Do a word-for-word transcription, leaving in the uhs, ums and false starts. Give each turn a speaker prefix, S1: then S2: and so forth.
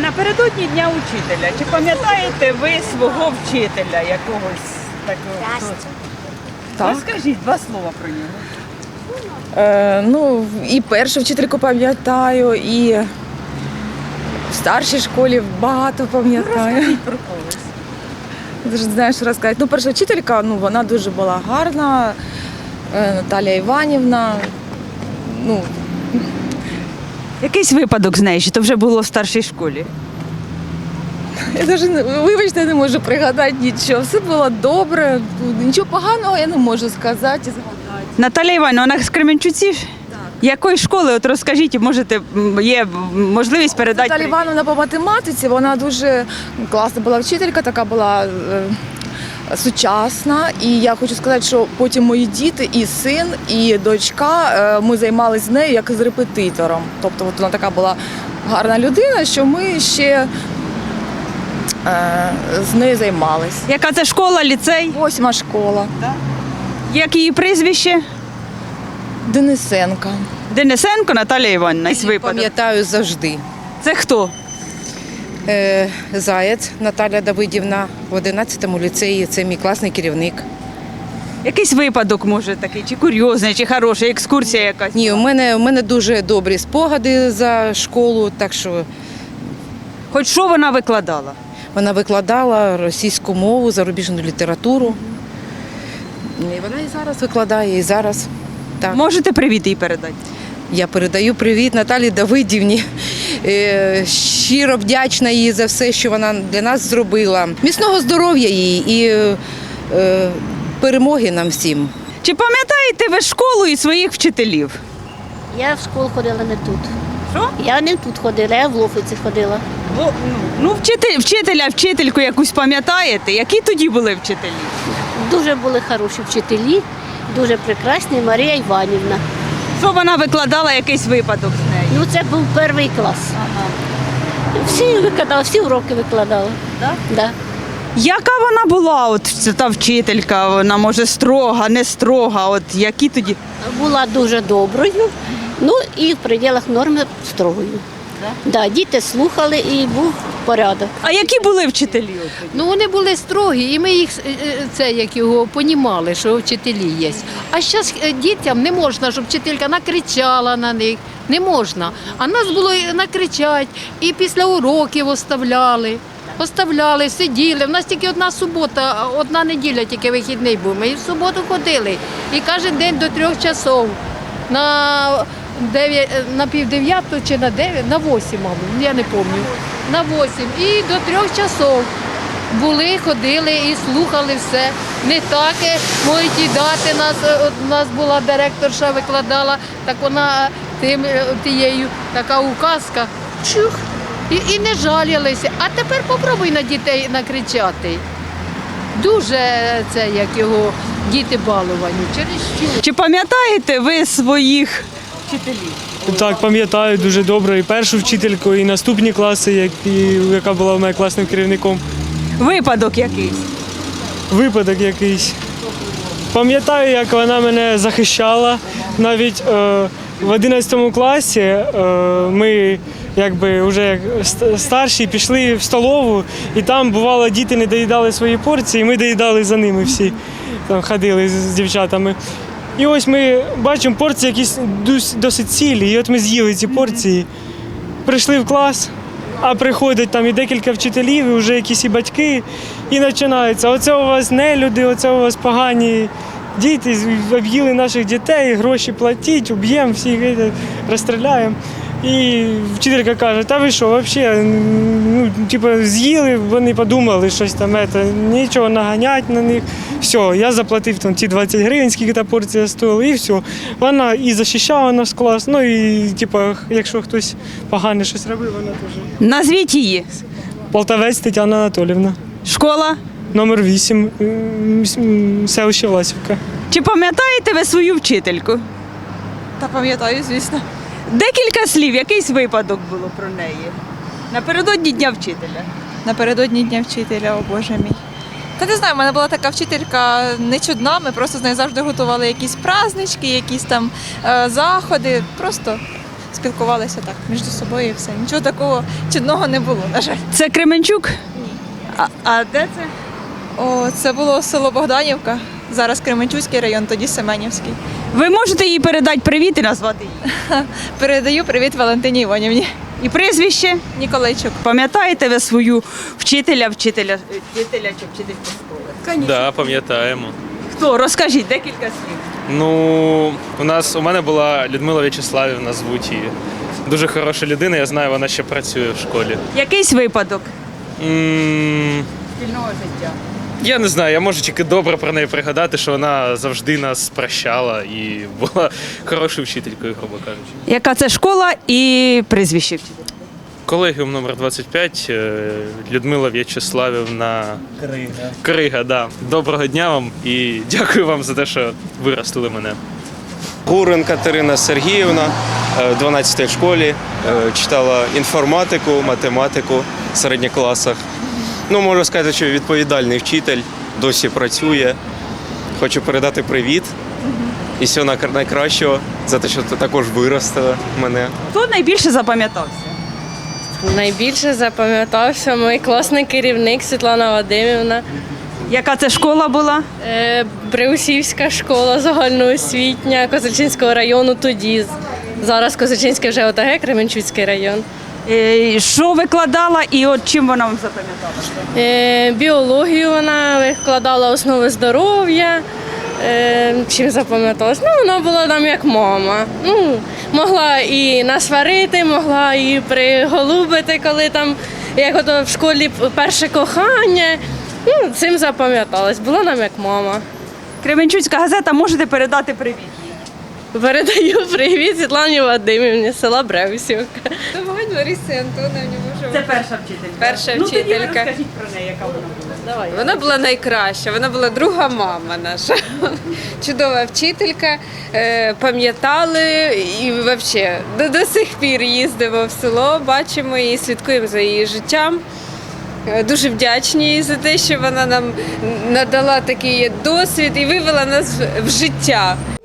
S1: Напередодні Дня учителя. Чи пам'ятаєте ви свого вчителя якогось такого? Хто це?
S2: Так.
S1: Розкажіть два слова про нього.
S2: Е, ну, і першу вчительку пам'ятаю, і в старшій школі багато пам'ятаю.
S1: Розкажіть про когось.
S2: Дуже не знаю, що розказати. Ну, перша вчителька, ну, вона дуже була гарна, е, Наталія Іванівна. Ну,
S1: Якийсь випадок з нею, чи то вже було в старшій школі?
S2: я навіть, не- вибачте, не можу пригадати нічого. Все було добре, нічого поганого я не можу сказати і згадати.
S1: Наталя Івановна, вона з Кременчуці? Так. Якої школи? От розкажіть, можете, м, є можливість передати.
S2: Наталія Івановна по математиці, вона дуже класна була вчителька, така була е, сучасна. І я хочу сказати, що потім мої діти, і син, і дочка, е, ми займалися з нею як з репетитором. Тобто от вона така була гарна людина, що ми ще е, з нею займалися.
S1: Яка це школа, ліцей?
S2: Восьма школа.
S1: Як її прізвище?
S2: Денисенка.
S1: Денисенко Наталія Івановна. Із випадок.
S3: Пам'ятаю завжди.
S1: Це хто?
S3: Е, Заєць Наталя Давидівна в одинадцятому ліцеї, це мій класний керівник.
S1: Якийсь випадок, може, такий, чи курйозний, чи хороший, екскурсія якась?
S3: Ні, у мене, у мене дуже добрі спогади за школу, так що
S1: Хоч що вона викладала?
S3: вона викладала російську мову, зарубіжну літературу. І вона і зараз викладає, і зараз. Так.
S1: Можете привіт їй передати?
S3: Я передаю привіт Наталі Давидівні. Е, Щиро вдячна їй за все, що вона для нас зробила. Міцного здоров'я їй і е, перемоги нам всім.
S1: Чи пам'ятаєте ви школу і своїх вчителів?
S4: Я в школу ходила не тут.
S1: Що?
S4: Я не тут ходила, я в Лофиці ходила.
S1: Ну, ну вчитель, вчителя, вчительку якусь пам'ятаєте? Які тоді були вчителі?
S4: Дуже були хороші вчителі, дуже прекрасні. Марія Іванівна.
S1: Що вона викладала, якийсь випадок з нею?
S4: Ну це був перший клас. Всі викладали, всі уроки викладали.
S1: Так?
S4: Да.
S1: Яка вона була, от ця та вчителька? Вона може строга, не строга. От які тоді?
S4: Була дуже доброю, ну і в пределах норми строгою. Да, діти слухали і був порядок.
S1: А які були вчителі? от тоді?
S5: Ну вони були строгі, і ми їх е, е, це як його понімали, що вчителі є. А зараз дітям не можна, щоб вчителька накричала на них. Не можна. А нас було і накричать, і після уроків оставляли. Оставляли, сиділи. У нас тільки одна субота, одна неділя тільки вихідний був. Ми і в суботу ходили. І кожен день до трьох часов. На дев'ять, на пів дев'яту чи на дев'ять, на восім, мабуть, я не пам'ятаю. На восім. І до трьох часов були, ходили і слухали все. Не так, е, можуть і дати нас. От у нас була директорша, викладала, так вона тим, е, тією, така указка. Чух. І, і не жалілися. А тепер попробуй на дітей накричати. Дуже це, як його, діти баловані. Через що?
S1: Чи пам'ятаєте ви своїх вчителів?
S6: Так, пам'ятаю дуже добре і першу вчительку, і наступні класи, як- і- яка була в мене класним керівником.
S1: Випадок якийсь?
S6: Випадок якийсь. Пам'ятаю, як вона мене захищала. Навіть е, в одинадцятому класі е, ми якби вже як ст- старші пішли в столову, і там бувало, діти не доїдали свої порції, ми доїдали за ними всі. Там ходили з, з дівчатами. І ось ми бачимо порції якісь дос- досить цілі, і от ми з'їли ці порції. Прийшли в клас, а приходять там і декілька вчителів, і вже якісь і батьки, і починається. Оце у вас нелюди, оце у вас погані діти, об'їли наших дітей, гроші платіть, уб'ємо, всіх е, розстріляємо. І вчителька каже, та ви що, взагалі, ну, типу, з'їли, вони подумали, щось там, це, нічого наганять на них. Все, я заплатив там ті двадцять гривень, скільки та порція стоїла, і все. Вона і захищала наш клас, ну і типу, якщо хтось погане щось робив, вона теж.
S1: Назвіть її.
S6: Полтавець Тетяна Анатоліївна,
S1: Школа?
S6: номер вісім, селище Власівка.
S1: Чи пам'ятаєте ви свою вчительку?
S2: Та пам'ятаю, звісно.
S1: Декілька слів, якийсь випадок було про неї. Напередодні Дня вчителя.
S2: Напередодні Дня вчителя, о Боже мій. Та не знаю, в мене була така вчителька не чудна, ми просто з нею завжди готували якісь празднички, якісь там е, заходи. Просто
S7: спілкувалися так між собою і все. Нічого такого чудного не було, на жаль.
S1: Це Кременчук? Ні. А, а де це?
S7: О, це було село Богданівка, зараз Кременчуцький район, тоді Семенівський.
S1: Ви можете їй передати привіт і назвати її?
S7: Передаю привіт Валентині Іванівні.
S1: І прізвище?
S7: Ніколайчук.
S1: Пам'ятаєте ви свою вчителя, вчителя, вчителя чи вчительку школи?
S8: Да, пам'ятаємо.
S1: Хто? Розкажіть декілька слів.
S8: Ну, у нас у мене була Людмила В'ячеславівна, звуть її. Дуже хороша людина, я знаю, вона ще працює в школі.
S1: Якийсь випадок
S8: М,
S1: спільного життя?
S8: Я не знаю, я можу тільки добре про неї пригадати, що вона завжди нас прощала і була хорошою вчителькою, грубо кажучи.
S1: Яка це школа і прізвище вчителя?
S8: Колегіум номер двадцять п'ять, е, Людмила В'ячеславівна Крига. Крига, да. Доброго дня вам і дякую вам за те, що виростили мене.
S9: Гурин Катерина Сергіївна е, в дванадцятій школі е, читала інформатику, математику в середніх класах. Ну, можу сказати, що відповідальний вчитель, досі працює. Хочу передати привіт і всього най- найкращого за те, що ти також виростила мене.
S1: Хто найбільше запам'ятався?
S10: Найбільше запам'ятався мій класний керівник Світлана Вадимівна.
S1: Яка це школа була?
S10: Е, Бреусівська школа загальноосвітня Козельчинського району тоді. Зараз Козельчинський вже ОТГ, Кременчуцький район.
S1: Е, Що викладала і от чим вона вам запам'яталася?
S10: Е, Біологію вона викладала основи здоров'я. Е, Чим запам'яталась? Ну, вона була нам як мама. Ну, могла і насварити, могла і приголубити, коли там, як ото в школі перше кохання. Ну, цим запам'яталась. Була нам як мама.
S1: Кременчуцька газета, можете передати привіт.
S10: Передаю привіт Світлані Вадимівні, з села Бреусівка.
S11: Домагань Ларисі Антоновні можемо.
S1: Це перша вчителька.
S11: Перша
S1: Ну, тоді ви
S11: вчителька.
S1: розкажіть про неї, яка вона була.
S10: Давай.
S11: Вона була найкраща, вона була друга мама наша. Чудова вчителька, е, пам'ятали і взагалі до, до сих пір їздимо в село, бачимо її, слідкуємо за її життям. Е, Дуже вдячні їй за те, що вона нам надала такий досвід і вивела нас в- в життя.